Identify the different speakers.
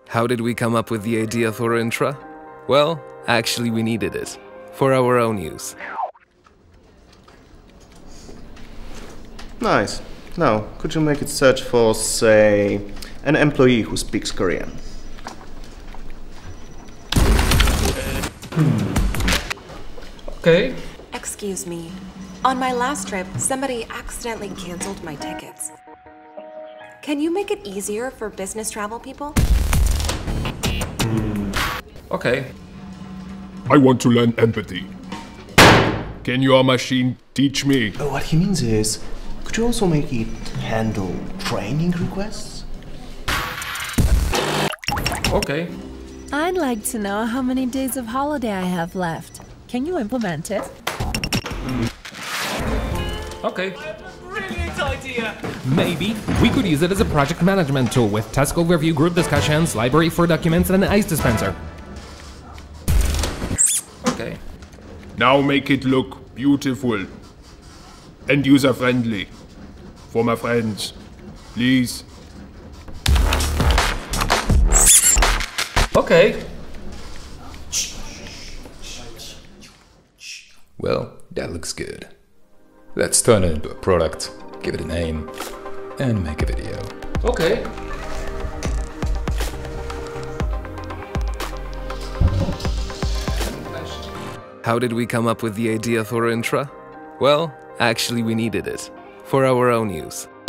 Speaker 1: How did we come up with the idea for Intra? Well, actually we needed it. For our own use.
Speaker 2: Nice. Now, could you make it search for, say, an employee who speaks Korean?
Speaker 3: Okay.
Speaker 4: Excuse me. On my last trip, somebody accidentally canceled my tickets. Can you make it easier for business travel people?
Speaker 3: Okay.
Speaker 5: I want to learn empathy. Can your machine teach me?
Speaker 2: What he means is, could you also make it handle training requests?
Speaker 3: Okay.
Speaker 6: I'd like to know how many days of holiday I have left. Can you implement it?
Speaker 3: Okay.
Speaker 7: Brilliant idea!
Speaker 8: Maybe we could use it as a project management tool with task overview, group discussions, library for documents, and an ice dispenser.
Speaker 3: Okay.
Speaker 5: Now make it look beautiful and user-friendly. For my friends, please.
Speaker 3: Okay.
Speaker 9: Well, that looks good. Let's turn it into a product, give it a name, and make a video.
Speaker 3: Okay.
Speaker 1: How did we come up with the idea for Intra? Well, actually we needed it. For our own use.